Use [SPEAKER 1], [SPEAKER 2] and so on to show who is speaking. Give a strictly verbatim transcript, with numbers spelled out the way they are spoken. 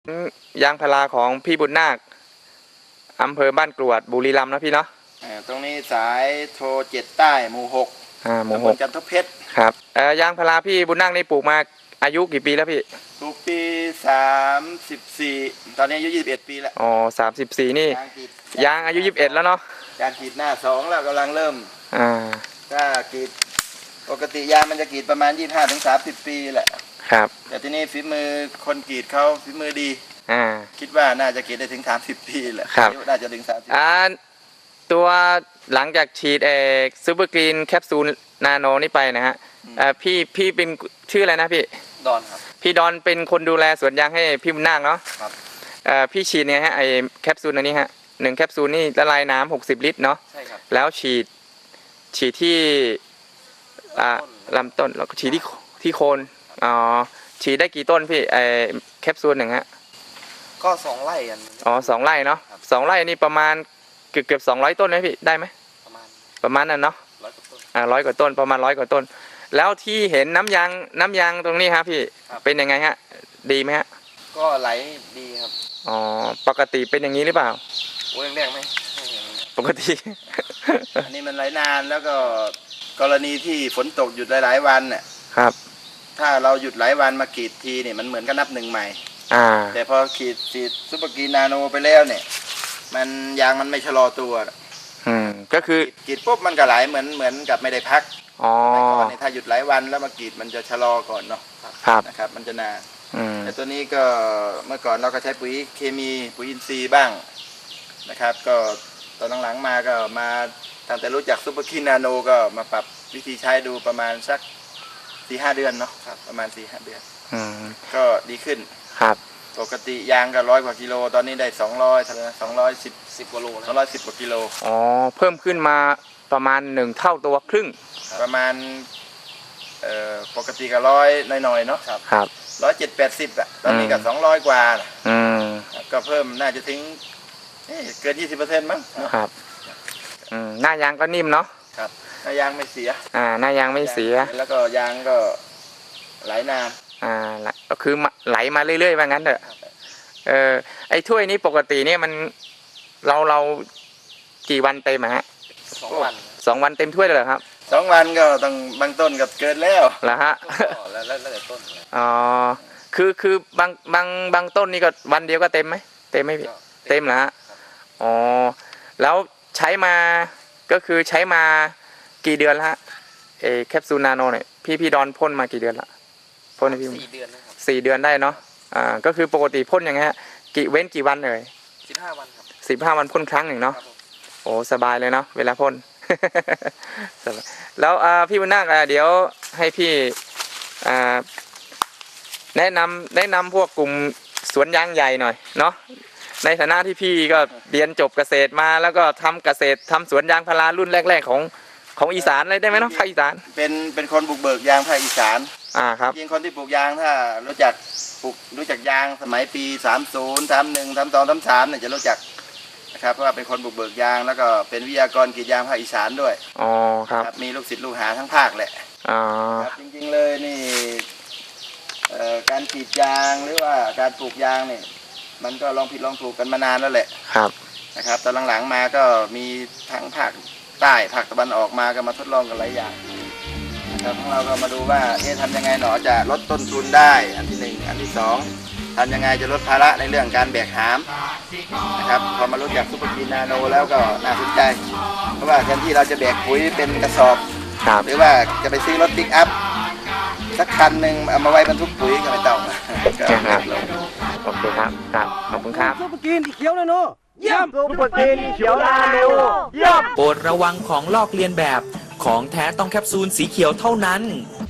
[SPEAKER 1] ยางพาราของพี่บุญนาคอำเภอบ้านกรวดบุรีรัมย์นะพี่เนาะ
[SPEAKER 2] ตรงนี้สายโทรเจ็ดใต้หมู่หก
[SPEAKER 1] อ่าหมู่หก
[SPEAKER 2] จันทเพชร
[SPEAKER 1] ครับเอ่อยางพาราพี่บุญนาคนี่ปลูกมาอายุกี่ปีแล้วพี่
[SPEAKER 2] ปลูกปีสามสิบสี่ตอนนี้อายุยี่สิบเอ็ดปีแล้ว
[SPEAKER 1] อ๋อสามสิบสี่นี่ยางอายุยี่สิบเอ็ดแล้วเนาะ
[SPEAKER 2] ยางกรีดหน้าสองแล้วกำลังเริ่ม
[SPEAKER 1] อ่า
[SPEAKER 2] ถ้ากรีดปกติยางมันจะกรีดประมาณยี่สิบห้าถึงสามสิบปีแหละ
[SPEAKER 1] ครับ
[SPEAKER 2] แต่ที่นี่ฝีมือคนกรีดเขาฝีมือดี
[SPEAKER 1] อ่า
[SPEAKER 2] คิดว่าน่าจะกรีดได้ถึงสามสิบปีแหละ
[SPEAKER 1] ครับ
[SPEAKER 2] น่าจะถึงสามสิบ
[SPEAKER 1] อ่าตัวหลังจากฉีดเอกซูเปอร์กรีนแคปซูลนาโนนี่ไปนะฮะอ่าพี่พี่เป็นชื่ออะไรนะพี่
[SPEAKER 2] ดอนครับ
[SPEAKER 1] พี่ดอนเป็นคนดูแลสวนยางให้พี่บุญนาคเนาะ
[SPEAKER 2] ครับ
[SPEAKER 1] อ่าพี่ฉีดเนี่ยฮะไอแคปซูลอันนี้ฮะหนึ่งแคปซูลนี่ละลายน้ำหกสิบลิตรเนาะ
[SPEAKER 2] ใช่ครับ
[SPEAKER 1] แล้วฉีดฉีดที่อ่าลำต้นแล้วก็ฉีดที่ที่โคนอ๋อฉีดได้กี่ต้นพี่ไอแคปซูลหนึ่งฮะ
[SPEAKER 2] ก็สองไร่กัน
[SPEAKER 1] อ๋อสองไร่เนาะสองไร่นี่ประมาณเกือบเกือบสองร้อยต้นไหมพี่ได้ไหม
[SPEAKER 2] ประมาณ
[SPEAKER 1] ประมาณนั้นเนาะ
[SPEAKER 2] ร้อยกว่าต้น
[SPEAKER 1] อ่าร้อยกว่าต้นประมาณร้อยกว่าต้นแล้วที่เห็นน้ำยางน้ำยางตรงนี้ครับพี่เป็นยังไงฮะดีไหมฮะ
[SPEAKER 2] ก็ไหลดีครับ
[SPEAKER 1] อ๋อปกติเป็นอย่างนี้หรือเปล่า
[SPEAKER 2] โอ้ยแรงไหม
[SPEAKER 1] ปกติ
[SPEAKER 2] อันนี้มันไหลนานแล้วก็กรณีที่ฝนตกหยุดหลายๆวันเนี่ย
[SPEAKER 1] ครับ
[SPEAKER 2] ถ้าเราหยุดหลายวันมากรีดทีเนี่ยมันเหมือนกับนับหนึ่งใหม่
[SPEAKER 1] อ่า
[SPEAKER 2] แต่พอกรีดฉีดซุปเปอร์กรีนนาโนไปแล้วเนี่ยมันยางมันไม่ชะลอตัว
[SPEAKER 1] อืมก็คือก
[SPEAKER 2] รีดปุ๊บมันก็ไหลเหมือนเหมือนกับไม่ได้พัก
[SPEAKER 1] อ๋อ
[SPEAKER 2] ถ้าหยุดหลายวันแล้วมากรีดมันจะชะลอก่อนเนาะ
[SPEAKER 1] ครับ
[SPEAKER 2] นะครับมันจะนาน
[SPEAKER 1] แต่
[SPEAKER 2] ตัวนี้ก็เมื่อก่อนเราก็ใช้ปุ๋ยเคมีปุ๋ยอินทรีย์บ้างนะครับก็ตอนหลังๆมาก็มาตั้งแต่รู้จักซุปเปอร์กรีนนาโนก็มาปรับวิธีใช้ดูประมาณสักสี่ห้าเดือนเนาะประมาณสี่ห้าเดือนก็ดีขึ้น
[SPEAKER 1] ครับ
[SPEAKER 2] ปกติยางก็ร้อยกว่ากิโลตอนนี้ได้สองร้อยเท่าไหร่สองร้อยสิบสิบกว่าโลสองร้อยสิบกว่ากิโล
[SPEAKER 1] อ๋อเพิ่มขึ้นมาประมาณหนึ่งเท่าตัวครึ่ง
[SPEAKER 2] ประมาณเอ่อปกติก็ร้อยหน่อยๆเนาะครับ
[SPEAKER 1] ครับ
[SPEAKER 2] ร้อยเจ็ดแปดสิบอ่ะตอนนี้ก็สองร้อยกว่า
[SPEAKER 1] อืม
[SPEAKER 2] ก็เพิ่มน่าจะถึงเกินยี่สิบเปอร์เซ็นต์มั้ง
[SPEAKER 1] ครับอืมหน้ายางก็นิ่มเนาะ
[SPEAKER 2] ครับหน้ายางไม่เสีย
[SPEAKER 1] อ่าหน้ายางไม่เสีย
[SPEAKER 2] แล้วก็ยางก็ไหลนาน
[SPEAKER 1] อ่าก็คือไหลมาเรื่อยๆว่างั้นเถอะเออไอ้ถ้วยนี้ปกติเนี่ยมันเราเรากี่วันเต็มฮะ
[SPEAKER 2] สองวัน
[SPEAKER 1] สองวันเต็มถ้วยเลยเหรอครับ
[SPEAKER 2] สองวันก็ต้องบางต้นกับเกินแล้ว
[SPEAKER 1] เหรอฮะ
[SPEAKER 2] แล้วแล้วแต่ต้น
[SPEAKER 1] อ๋อคือคือบางบางบางต้นนี่ก็วันเดียวก็เต็มไหมเต็มไหมพี่เต็มเหรอฮะอ๋อแล้วใช้มาก็คือใช้มากี่เดือนละฮะเอแคปซูลนาโนเนี่ยพี่พี่ดอนพ่นมากี่เดือนละพ่นให้พี่
[SPEAKER 2] สี่เดือนนะครับ
[SPEAKER 1] สี่เดือนได้เนาะอ่าก็คือปกติพ่นอย่างเงี้ยกี่เว้นกี่วันเอ่ย
[SPEAKER 2] สิบห้าวันครับ
[SPEAKER 1] สิบห้าวันพ่นครั้งหนึ่งเนาะโอ้สบายเลยเนาะเวลาพ่น แล้วอ่าพี่บุญนาคอ่าเดี๋ยวให้พี่อ่าแนะนำแนะนำพวกกลุ่มสวนยางใหญ่หน่อยเนาะในฐานะที่พี่ก็เรียนจบเกษตรมาแล้วก็ทำเกษตรทำสวนยางพารารุ่นแรกๆของของอีสานเลยได้ไหมเนาะภาคอีสาน
[SPEAKER 2] เป็นเป็นคนบุกเบิกยางภาคอีสาน
[SPEAKER 1] อ่าครับ
[SPEAKER 2] จริงคนที่ปลูกยางถ้ารู้จักปลูกรู้จักยางสมัยปีสามสิบ สามสิบเอ็ด สามสิบสอง สามสิบสามเนี่ยจะรู้จักนะครับเพราะว่าเป็นคนบุกเบิกยางแล้วก็เป็นวิทยากรกรีดยางภาคอีสานด้วย
[SPEAKER 1] อ๋อครับ
[SPEAKER 2] มีลูกศิษย์ลูกหาทั้งภาคแหละ
[SPEAKER 1] อ๋อ
[SPEAKER 2] ครับจริงๆเลยนี่การกรีดยางหรือว่าการปลูกยางเนี่ยมันก็ลองผิดลองถูกกันมานานแล้วแหละ
[SPEAKER 1] ครับ
[SPEAKER 2] นะครับตอนหลังๆมาก็มีทั้งภาคใต้ภาคตะวันออกมาก็มาทดลองกันหลายอย่างนะครับของเราก็มาดูว่าเอ๊ะทำยังไงหนอจะลดต้นทุนได้อันที่หนึ่งอันที่สองทำยังไงจะลดภาระในเรื่องการแบกหามนะครับพอมารู้จักซุปเปอร์กรีนนาโนแล้วก็น่าสนใจเพราะว่าแทนที่เราจะแบกปุ๋ยเป็นกระสอบหรือว่าจะไปซื้อรถปิกอัพสักคันหนึ่งเอามาไว้บรรทุกปุ๋ยก็ไม่ต้อง
[SPEAKER 1] ครับโอเคครับครับขอบคุณครับ
[SPEAKER 3] ซุปเปอร์กรีนเขียวนาโนเยี่ยมซุปเปอร์กรีนเขียวนาโนเยี่ยม
[SPEAKER 4] โปรดระวังของลอกเลียนแบบของแท้ต้องแคปซูลสีเขียวเท่านั้น